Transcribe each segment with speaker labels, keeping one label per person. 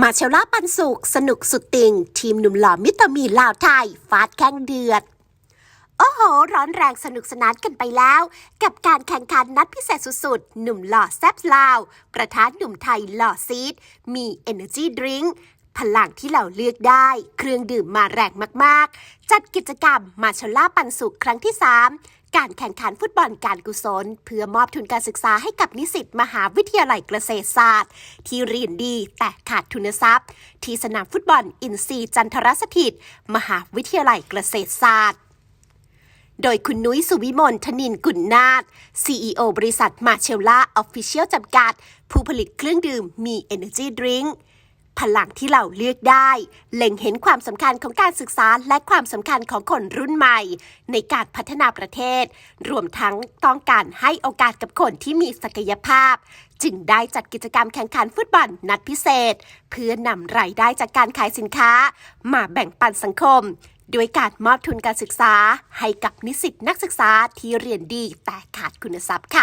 Speaker 1: มาเชลล่าปันสุขสนุกสุดติ่งทีมหนุ่มหล่อมิสเตอร์มีลาวไทยฟาดแข่งเดือดโอ้โหร้อนแรงสนุกสนานกันไปแล้วกับการแข่งขันนัดพิเศษสุดๆหนุ่มหล่อแซบลาวกระทะหนุ่มไทยหล่อซีดมี Energy Drink พลังที่เราเลือกได้เครื่องดื่มมาแรงมากๆจัดกิจกรรมมาเชลล่าปันสุขครั้งที่3การแข่งขันฟุตบอลการกุศลเพื่อมอบทุนการศึกษาให้กับนิสิตมหาวิทยาลัยเกษตรศาสตร์ที่เรียนดีแต่ขาดทุนทรัพย์ที่สนามฟุตบอลอินทรีย์จันทรสถิตมหาวิทยาลัยเกษตรศาสตร์โดยคุณนุ้ยสุวิมลธนินกุลนาถ CEO บริษัทมาเชลล่าออฟฟิเชียลจำกัดผู้ผลิตเครื่องดื่มมี Energy Drink พลังที่เราเลือกได้เล็งเห็นความสำคัญของการศึกษาและความสำคัญของคนรุ่นใหม่ในการพัฒนาประเทศรวมทั้งต้องการให้โอกาสกับคนที่มีศักยภาพจึงได้จัดกิจกรรมแข่งขันฟุตบอลนัดพิเศษเพื่อนำรายได้จากการขายสินค้ามาแบ่งปันสังคมด้วยการมอบทุนการศึกษาให้กับนิสิตนักศึกษาที่เรียนดีแต่ขาดคุณทรัพย์ค่ะ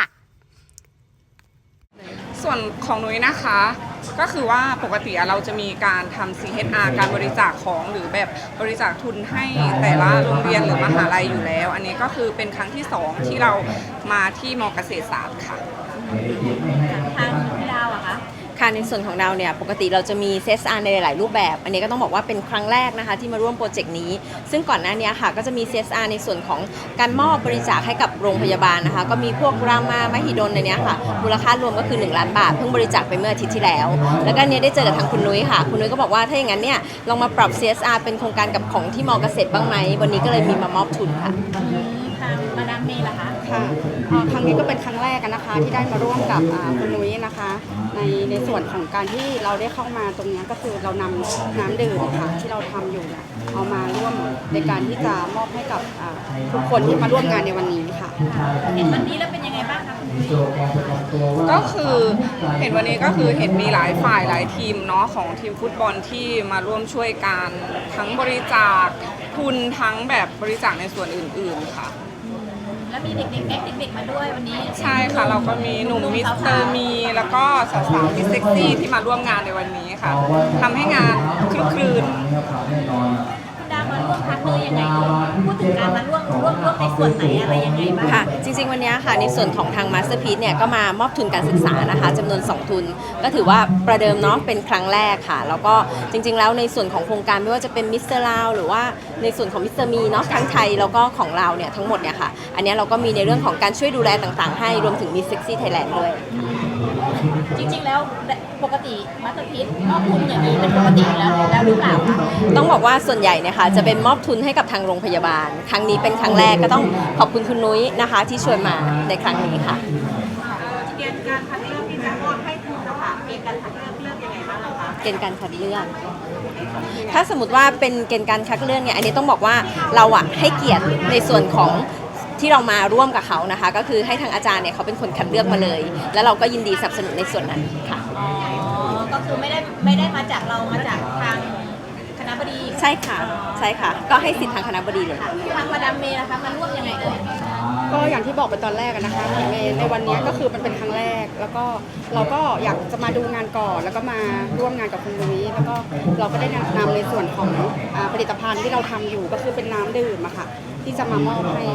Speaker 2: ส่วนของนุ้ยนะคะก็คือว่าปกติเราจะมีการทำ CSR การบริจาคของหรือแบบบริจาคทุนให้แต่ละโรงเรียนหรือมหาลัยอยู่แล้วอันนี้ก็คือเป็นครั้งที่2ที่เรามาที่ม.เกษตรศาสตร์ค่ะ
Speaker 3: ทางพี่ดาวอะคะ
Speaker 4: ค่ะในส่วนของเราเนี่ยปกติเราจะมี CSR ในหลายๆรูปแบบอันนี้ก็ต้องบอกว่าเป็นครั้งแรกนะคะที่มาร่วมโปรเจกต์นี้ซึ่งก่อนหน้านี้ค่ะก็จะมี CSR ในส่วนของการมอบบริจาคให้กับโรงพยาบาลนะคะก็มีพวกรามามหิดลในนี้ค่ะมูลค่ารวมก็คือ1 ล้านบาทเพิ่งบริจาคไปเมื่ออาทิตย์ที่แล้วแล้วก็เนี่ยได้เจอกับทางคุณนุ้ยค่ะคุณนุ้ยก็บอกว่าถ้าอย่างนั้นเนี่ยลองมาปรับ CSR เป็นโครงการกับของที่มอเกษตรบ้างไหมวันนี้ก็เลยมีมามอบทุนค่ะ
Speaker 3: ทางมาดามเมย์ล่ะคะ
Speaker 5: ค่ะครั้งนี้ก็เป็นครั้งแรกนะคะที่ได้มาร่วมกับคุณนุ้ยนะคะในส่วนของการที่เราได้เข้ามาตรงนี้ก็คือเรานำน้ำดื่มค่ะที่เราทำอยู่เอามาร่วมในการที่จะมอบให้กับทุกคนที่มาร่วมงานในวันนี้ค่ะ
Speaker 3: เห็นวันนี้แล้วเป็นยังไงบ้างคะคุณนุ้ย
Speaker 2: ก็คือเห็นวันนี้ก็คือเห็นมีหลายฝ่ายหลายทีมเนาะของทีมฟุตบอลที่มาร่วมช่วยกันทั้งบริจาคทุนทั้งแบบบริจาคในส่วนอื่นๆค่ะ
Speaker 3: แล้วมีเด็กๆแก๊งเด็กๆมาด้วยวันนี้
Speaker 2: ใช่ค่ะเราก็มีหนุ่มมิสเตอร์มีแล้วก็สาวๆมิสเซ็กซี่ที่มาร่วมงานในวันนี้ค่ะทำให้งานคลึกครื้น
Speaker 3: คุณดามาร่วมพักเลยยังไงพูดถึงการมาร่วมในส่วนไหนอะไรยังไงบ้าง
Speaker 4: ค่ะจริงๆวันนี้ค่ะในส่วนของทาง Masterpiece เนี่ยก็มามอบทุนการศึกษานะคะจำนวน2ทุนก็ถือว่าประเดิมเนาะเป็นครั้งแรกค่ะแล้วก็จริงๆแล้วในส่วนของโครงการไม่ว่าจะเป็นมิสเตอร์ลาวหรือว่าในส่วนของมิสเตอร์มีเนาะทั้งไทยแล้วก็ของเราเนี่ยทั้งหมดเนี่ยค่ะอันนี้เราก็มีในเรื่องของการช่วยดูแลต่างๆให้รวมถึงมี Sexy Thailand ด้วย
Speaker 3: จริงๆแล้วปกติมาสเตอร์พีซมอบทุนอย่างนี้เป็นปกติแล้วหรือเปล่าคะ
Speaker 4: ต้องบอกว่าส่วนใหญ่เนี่ยค่ะจะเป็นมอบทุนให้กับทางโรงพยาบาลครั้งนี้เป็นครั้งแรกก็ต้องขอบคุณคุณนุ้ยนะคะที่ชวนมาในครั้งนี้ค่ะ
Speaker 3: เกณฑ์การคัดเลือกที่จะมอบให้ทุนนะคะเกณฑ์การคัดเลือกยังไงบ้างคะ
Speaker 4: เกณฑ์การคัดเลือกถ้าสมมติว่าเป็นเกณฑ์การคัดเลือกเนี่ยอันนี้ต้องบอกว่าเราอะให้เกียรติในส่วนของที่เรามาร่วมกับเขานะคะก็คือให้ทางอาจารย์เนี่ยเขาเป็นคนคัดเลือกมาเลยแล้วเราก็ยินดีสนับสนุนในส่วนนั้นค่ะ
Speaker 3: ก็คือไม่ได้มาจากเรามาจากทางคณบดี
Speaker 4: ใช่ค่ะใช่ค่ะก็ให้สิทธิ์ทางคณบดีเลย
Speaker 3: ทางมาดามเมย์นะคะมาร่วมยังไงเอ่ย
Speaker 5: ก็อย่างที่บอกไปตอนแรกนะคะในวันนี้ก็คือมันเป็นครั้งแรกแล้วก็เราก็อยากจะมาดูงานก่อนแล้วก็มาร่วมงานกับคุณนุ้ยแล้วก็เราก็ได้นำในส่วนของผลิตภัณฑ์ที่เราทำอยู่ก็คือเป็นน้ำดื่มอะค่ะที่จะมามอบให้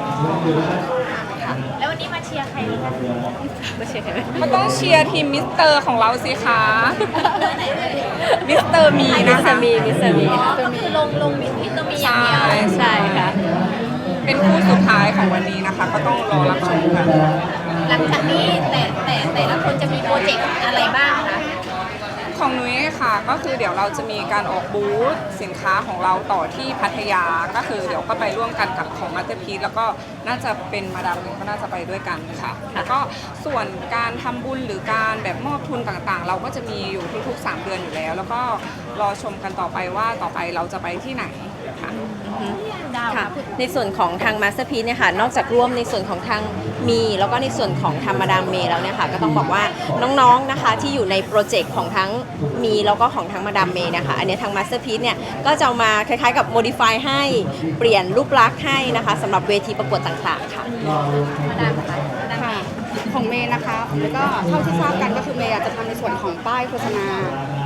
Speaker 3: แล้ววันนี้มาเชียร์ใครคะ
Speaker 4: มาเชียร์ใคร
Speaker 2: ก็ต้องเชียร์ทีมมิสเตอร์ของเราสิคะมิสเตอร์มีนะคะ
Speaker 4: มิสเตอร์มี
Speaker 3: ก็คือลงมิสเตอร์มีอย่างเดียว
Speaker 4: ใช่ค่ะ
Speaker 2: เป็นคู่สุดท้ายของวันนี้นะคะก็ต้องรอรับชมกัน
Speaker 3: หลังจากนี้แต่ละคนจะมีโปรเจกต์อะไรบ้างคะ
Speaker 2: ของนุ้ยค่ะก็คือเดี๋ยวเราจะมีการออกบูธสินค้าของเราต่อที่พัทยาก็คือเดี๋ยวก็ไปร่วมกันกับของมาสเตอร์พีซแล้วก็น่าจะเป็นมาดามก็น่าจะไปด้วยกันค่ะแล้วก็ส่วนการทำบุญหรือการแบบมอบทุนต่างๆเราก็จะมีอยู่ทุกๆ3 เดือนอยู่แล้วแล้วก็รอชมกันต่อไปว่าต่อไปเราจะไปที่ไหนค่ะ
Speaker 4: ในส่วนของทาง Masterpiece เนี่ยค่ะนอกจากร่วมในส่วนของทางมีแล้วก็ในส่วนของทางมาดามเมย์แล้วเนี่ยค่ะก็ต้องบอกว่าน้องๆนะคะที่อยู่ในโปรเจกต์ของทั้งมีแล้วก็ของทางมาดามเมย์นะคะอันนี้ทาง Masterpiece เนี่ยก็จะมาคล้ายๆกับ modify ให้เปลี่ยนรูปลักษณ์ให้นะคะสำหรับเวทีประกวดต่างๆค่ะ
Speaker 3: มาดามค่ะ
Speaker 5: ของเมย์นะคะแล้วก็เท่าที่ทราบกันก็คือเมย์อาจจะทำในส่วนของป้ายโฆษณา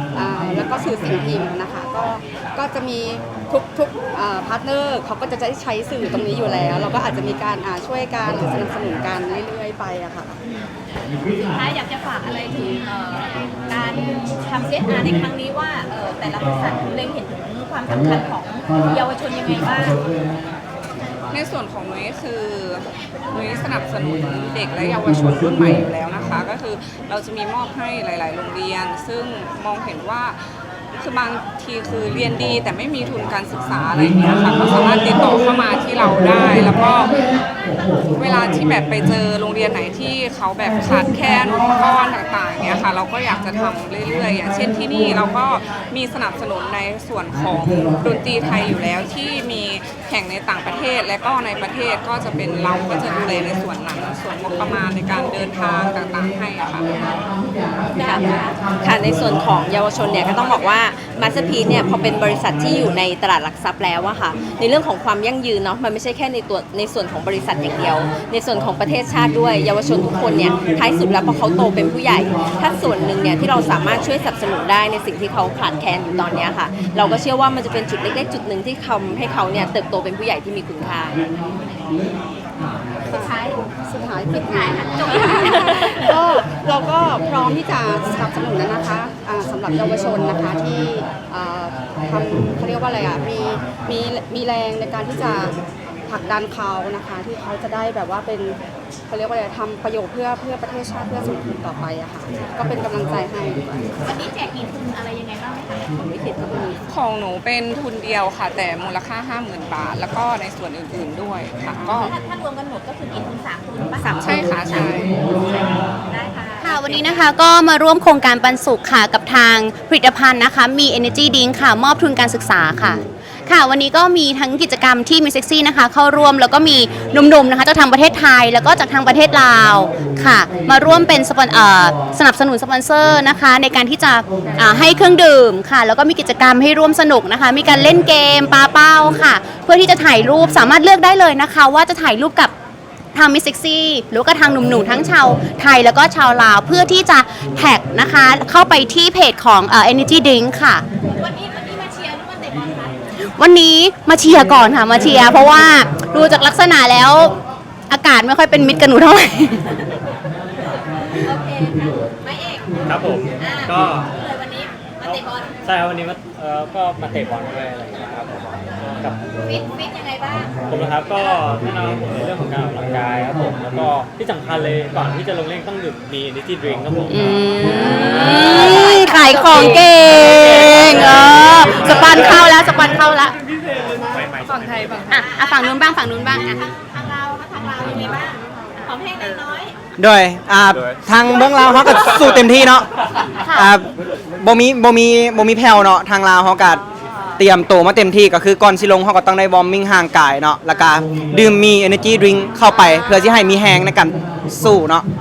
Speaker 5: แล้วก็สื่อสิ่งพิมพ์นะคะก็จะมีทุกพาร์ทเนอร์เขาก็จะใช้สื่อตรงนี้อยู่แล้ว เราก็อาจจะมีการช่วยกันหรือสนับสนุนกันเรื่อยๆไปอะค่ะ
Speaker 3: สุดท้ายอยากจะฝากอะไรถึงการทำ CSR ในครั้งนี้ว่าแต่ละบริษัทเล็งเห็นถึงความสำคัญของเยาวชนยังไงบ้าง
Speaker 2: ในส่วนของนุ้ยคือนุ้ยสนับสนุนเด็กและเยาวชนรุ่นใหม่อยู่แล้วนะคะ ก็คือเราจะมีมอบให้หลาย ๆ โรงเรียน ซึ่งมองเห็นว่าคือบางทีคือเรียนดีแต่ไม่มีทุนการศึกษาอะไรอย่างเงี้ยค่ะก็สามารถติดต่อเข้ามาที่เราได้ แล้วก็เวลาที่แบบไปเจอโรงเรียนไหนที่เขาแบบขาดแคลนอุปกรณ์ต่างๆเงี้ยค่ะเราก็อยากจะทำเรื่อยๆอย่างเช่นที่นี่เราก็มีสนับสนุนในส่วนของดนตรีไทยอยู่แล้วที่มีแข่งในต่างประเทศและก็ในประเทศก็จะเป็นเราก็จะดูแลในส่วนนั้นส่วนงบประมาณในการเดินทางต่างๆให้อะค่ะ
Speaker 4: ค่ะในส่วนของเยาวชนเนี่ยก็ต้องบอกว่ามาสเตอร์พีซเนี่ยพอเป็นบริษัทที่อยู่ในตลาดหลักทรัพย์แล้วอะค่ะในเรื่องของความยั่งยืนเนาะมันไม่ใช่แค่ในส่วนของบริษัทอย่างเดียว ในส่วนของประเทศชาติด้วยเยาวชนทุกคนเนี่ยท้ายสุดแล้วพอเขาโตเป็นผู้ใหญ่ ถ้าส่วนหนึ่งเนี่ยที่เราสามารถช่วยสนับสนุนได้ในสิ่งที่เขาขาดแคลนอยู่ตอนเนี้ยค่ะเราก็เชื่อว่ามันจะเป็นจุดเล็กๆจุดหนึ่งที่ทำให้เขาเนี่ยเติบโตเป็นผู้ใหญ่ที่มีคุณค่า
Speaker 3: สุดท้าย
Speaker 5: ปิดท้ายค่ะจบก็เราก็พร้อมที่จะสนับสนุนนะคะสำหรับเยาวชนนะคะที่ทำเขาเรียกว่าอะไรมีแรงในการที่จะผลักดันเขานะคะที่เขาจะได้แบบว่าเป็นเขาเรียกว่าอะไรทำประโยชน์เพื่อประเทศชาติเพื่อสังคมต่อไปอะค่ะก็เป็นกำลังใจให้ดีกว่า
Speaker 3: วันนี้แจกกี่ทุนอะไรยังไงบ้างไหมคะ
Speaker 2: ของหนูเป็นทุนเดียวค่ะ แต่มูลค่า 50,000 บาท แล้วก็ในส่วนอื่นๆด้วยค่ะก็
Speaker 3: ถ้ารวมกันหมดก็คือกี่ทุน3ทุนปะ
Speaker 2: ใช่ค่ะใช่
Speaker 3: ได้ค่ะ
Speaker 6: ค่ะวันนี้นะคะก็มาร่วมโครงการปันสุขค่ะกับทางผลิตภัณฑ์นะคะมี Energy Drink ค่ะมอบทุนการศึกษาค่ะค่ะวันนี้ก็มีทั้งกิจกรรมที่มีเซ็กซี่นะคะเข้าร่วมแล้วก็มีหนุ่มๆนะคะจากทางประเทศไทยแล้วก็จากทางประเทศลาวค่ะมาร่วมเป็นสนับสนุนสปอนเซอร์นะคะในการที่จะให้เครื่องดื่มค่ะแล้วก็มีกิจกรรมให้ร่วมสนุกนะคะมีการเล่นเกมปาเป้าค่ะเพื่อที่จะถ่ายรูปสามารถเลือกได้เลยนะคะว่าจะถ่ายรูปกับทางมิสเซ็กซี่หรือก็ทางหนุ่มๆทั้งชาวไทยแล้วก็ชาวลาวเพื่อที่จะแท็กนะคะเข้าไปที่เพจของEnergy Drink ค่ะ
Speaker 3: วันนี้มาเชียร์หรือมาเตะบอลคะ
Speaker 6: วันนี้มาเชียร์ก่อนค่ะมาเชียร์เพราะว่าดูจากลักษณะแล้วอากาศไม่ค่อยเป็นมิตรกับหนูเท่าไหร่
Speaker 3: โอเคค่ะไม่เอก
Speaker 7: ครับผม ก็
Speaker 3: เลยวันนี้มาเตะบอล
Speaker 7: ใช่ครับวันนี้ก็มาเตะบอลด้วยอะไรอย่างเงี้ยครับผมกับ
Speaker 3: ฟิตยังไงบ้าง
Speaker 7: ผมนะครับก็แน่นอนผมในเรื่องของการออกกำลังกายครับผมแล้วก็ที่สำคัญเลยก่อนที่จะลงเล่นต้องดื่มมี Energy Drink ครับผม
Speaker 6: ขายของเก่งสปันเข้าแล้วสปันเข้าแล้ว
Speaker 2: ฝั่งไทยฝั่ง
Speaker 6: ฝั่งนู้นบ้างฝั่งนู้นบ้างอ่ะ
Speaker 3: ทางเรายังไงบ้างของเพลงนางน้อย
Speaker 8: โดยทางเบื้องลาวเขาก็สู้เต็มที่เนาะบ่มีแผ่วเนาะทางลาวเขาก็เตรียมตัวมาเต็มที่ก็คือก่อนสิลงเขาก็ต้องได้วอร์มมิ่งห่างกายเนาะแล้วก็ดื่มมี Energy Drink เข้าไปเพื่อที่ให้มีแฮงในการสู้เนาะ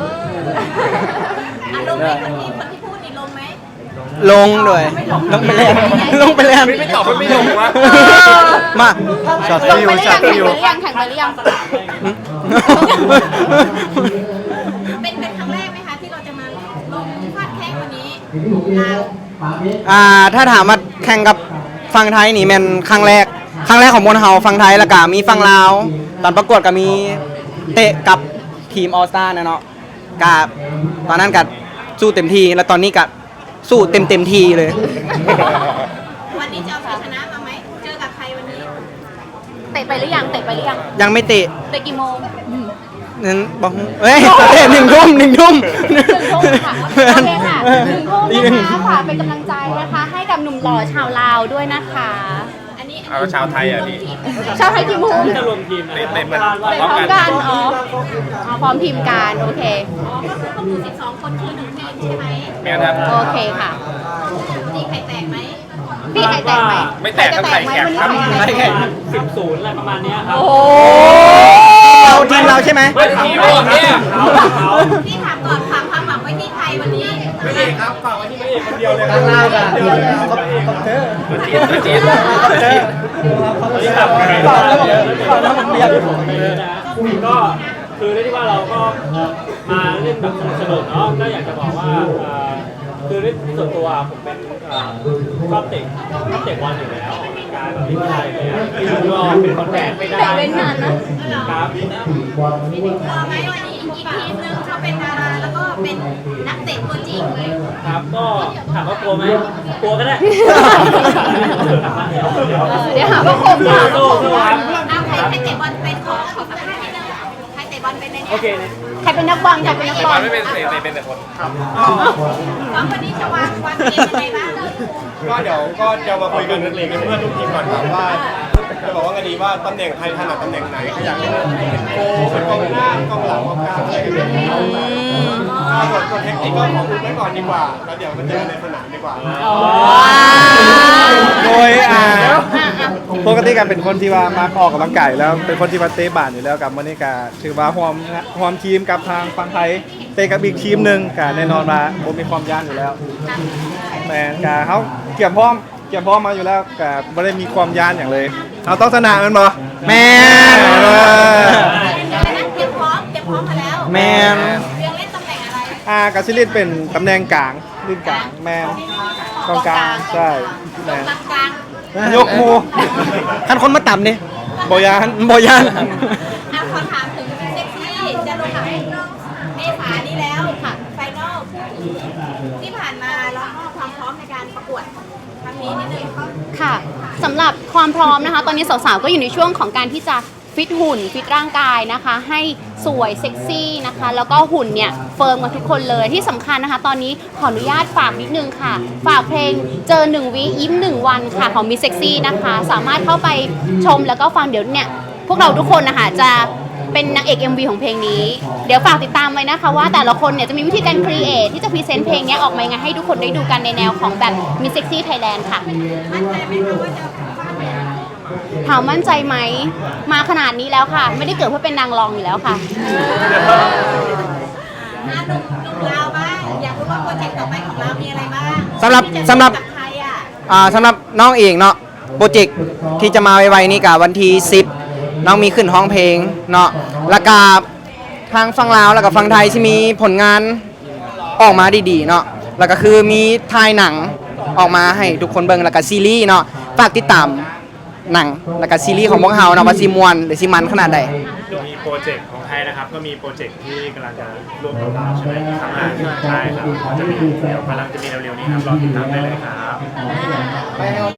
Speaker 3: ลงไหมคนที่พูดนี่ลงไหม
Speaker 8: ลงด้วยลงไปแล้วลงไปแล้ว
Speaker 9: ไม่ตอบว่าไม่ลงวะ
Speaker 8: มา
Speaker 9: ช็อต
Speaker 6: ลง
Speaker 9: ฟิว
Speaker 6: ไปหรือ
Speaker 9: ช็อ
Speaker 6: ยั
Speaker 9: ต
Speaker 6: ง
Speaker 9: ฟิว
Speaker 6: แข่งไปหรือยัง
Speaker 3: เป็นครั้งแรกไหมคะที่เราจะมาลงฟาดแข้งวันนี้ลาว
Speaker 8: ถ้าถามว่าแข่งกับฝั่งไทยนี่แม่นครั้งแรกของมวลเฮาฝั่งไทยแล้วก็มีฝั่งลาวตอนประกวดก็มีเตะกับทีมออสตาเนาะกับตอนนั้นก็สู้เต็มที่แล้วตอนนี้ก็สู้เต็มที่เลย
Speaker 3: วันนี้จะเอาชัยชนะมาไหมเจอกับใครวันนี้
Speaker 6: เตะไปหรือยังเตะไปหรือยัง
Speaker 8: ยังไม่เตะ
Speaker 6: เตะกี่โมง
Speaker 8: นั้นบอกเอ้ยเตะ1 ทุ่ม1 ทุ่ม
Speaker 6: ค่ะโอเคค่ะ1 ทุ่มนะคะฝากเป็นกำลังใจนะคะให้กับหนุ่มหล่อชาวลาวด้วยนะคะ
Speaker 3: อันนี้
Speaker 9: เอาชาวไทยอ่ะพี่
Speaker 6: ชาวไทยกี่โมง
Speaker 7: จะรวมทีมนะ
Speaker 9: เตะมัน
Speaker 6: ไปพร้อมกันพร้อมทีมกันโอเค
Speaker 3: ก็คือต้องดู12 คนคือ1ทีมใช่ไหม
Speaker 9: แม่ครับ
Speaker 6: โอเคค่ะ
Speaker 3: ตีไข่แตกไหม
Speaker 6: พี่ไข่แตกไหม
Speaker 9: ไม่แตกก็ไข่แข็งครับ
Speaker 6: วันนี้ไข่แตกไหม
Speaker 7: 10-0อะไรประมาณเนี้ยครับ
Speaker 6: โอ้
Speaker 8: เราทีมเราใช่ไหม
Speaker 9: ทีมเราเนี่ย
Speaker 3: พี่ถามก่อนฝากความหวังไว้ที่ไทยวันนี้
Speaker 9: ไม่เอกครับฝากไว้ที่ไม่เอกคนเดียวเลย
Speaker 8: ข้างล่างอ่ะ
Speaker 9: ตัวจีน
Speaker 7: ตอนนี้แบบก็คือเรียกได้ว่าเราก็มาเล่นแบบสนุกๆเนาะก็อยากจะบอกว่าคือด้วยส่วนตัวผมเป็นชอบเตะบอลอยู่แล้วออกกำลังกายแบบนี้ไม่ได้เลยอะแล้วก็เป็นคนแบกไม่ได้
Speaker 6: แบกเป็นนานนะครับ
Speaker 3: พอไหมวันนี้อีกทีมหนึงเขาเป็นดาราแล้วก็เป็นนักเตะตัวจริงเลย
Speaker 7: ครับก็ถามว่ากลัวไหมกลัวก็ได้
Speaker 6: เดี๋ยวหาว่าข่มค่ะ
Speaker 7: สู้ครับ
Speaker 3: เอาใครเตะบอลเป็นขอสัมภาษณ์นิดนึงใครเตะบอลเป็นใน
Speaker 7: โอ
Speaker 3: เนี้ย
Speaker 7: เค
Speaker 6: ใครเป็นนักบอลใครเป็นนักบอล
Speaker 9: ไม่เป็นเตะเป็นแต่คน
Speaker 3: น้องวันนี้จะวางเกมยังไงบ้าง
Speaker 9: ก็เดี๋ยวก็จะมาคุยกันเป็นเพื่อนทุกทีมก่อนครับว่าจะบอกว่ากันดีว่าตำแหน่งใครถนัดตำแหน่งไหนใครอยากเล่นเป็นโกเป็นกองหน้ากองหลังกองกลางอะไรกันแบบนี้ส่วนเทคนิคก็ของคุณไว้ก่อนดีกว่าแล้วเดี๋ยวมาเจอกันในสนามดีกว่า
Speaker 10: โดยปกติกันเป็นคนที่ว่ามาออกกำลังกายอยู่แล้วเป็นคนที่มาเตะบาสอยู่แล้วกับวันนี้ก็ถือว่าหอมทีมกับทางฝั่งไทยเตะกับอีกทีมหนึ่งก็แน่นอนว่าผมมีความย่านอยู่แล้วแต่ก็เขาเกี่ยมพร้อมมาอยู่แล้วก็ไม่ได้มีความย่านอย่างเลยเราต้องชนะมันบ่
Speaker 8: แมน
Speaker 3: เตรียมพร้อมมาแล้ว
Speaker 8: แมน
Speaker 3: เรื่องเล่นตำแหน่งอะไร
Speaker 10: กับซิลินเป็นตำแหน่งกลางลิ้นกลางแมนกองกลางใช่แมน
Speaker 3: กลาง
Speaker 10: ยกมู
Speaker 8: คันคนมาต่ำเนี่ย
Speaker 10: บอยาน
Speaker 8: บอยัน
Speaker 3: ขอถามถึงเซ็กซี่จะลงกับเมษานี้แล้วค่ะไฟนอลที่ผ่านมาแล้วก็ความพร้อมในการประกวดครั้งนี้นิดนึง
Speaker 6: ค่ะสำหรับความพร้อมนะคะ ตอนนี้สาวๆก็อยู่ในช่วงของการที่จะฟิตหุ่นฟิตร่างกายนะคะ ให้สวยเซ็กซี่นะคะ แล้วก็หุ่นเนี่ยเฟิร์มกับทุกคนเลยที่สำคัญนะคะ ตอนนี้ขออนุญาตฝากนิดนึงค่ะ ฝากเพลงเจอ1วิยิ้ม1วันค่ะของมิสเซ็กซี่นะคะ สามารถเข้าไปชมแล้วก็ฟังเดี๋ยวเนี่ยพวกเราทุกคนนะคะจะเป็นนางเอก MV ของเพลงนี้เดี๋ยวฝากติดตามไว้นะคะว่าแต่ละคนเนี่ยจะมีวิธีการครีเอทที่จะพรีเซนต์เพลงนี้ออกมายังไงให้ทุกคนได้ดูกันในแนวของแบบมิสเซ็กซี่ไทยแลนด์ค่ะ
Speaker 3: มั่นใจไหมคะว่าจะฟาดไป
Speaker 6: ถามมั่นใจไหมมาขนาดนี้แล้วค่ะ ไม่ได้เกิดเพื่อเป็นนางรองอยู่แล้วค่ะ
Speaker 3: หนุ่มลาวบ้างอยากรู้ว่าโปรเจกต์ต่อไปของเรามีอะไรบ้าง
Speaker 8: สำหรับ
Speaker 3: กับใครอ่ะ
Speaker 8: สำหรับน้องเองเนาะโปรเจกต์ที่จะมาไวๆนี้กับวันที่10น้องมีขึ้นห้องเพลงเนาะแล้วก็ทางฝั่งลาวแล้วก็ฝั่งไทยที่มีผลงานออกมาดีๆเนาะแล้วก็คือมีถ่ายหนังออกมาให้ทุกคนเบิ่งแล้วก็ซีรีส์เนาะฝากติดตามหนังแล้วก็ซีรีส์ของพวกเฮาเนาะว่าสิม่วนหรือสิมันขนาดใด
Speaker 7: มีโปรเจกต์ของไทยนะครับก็มีโปรเจกต์ที่กำลังจะร่วมกับเราใช่ไหมครับใช่ครับจะมีเดี๋ยวกำลังจะมีเร็วๆนี้ครับรอติดตามได้เลยครับ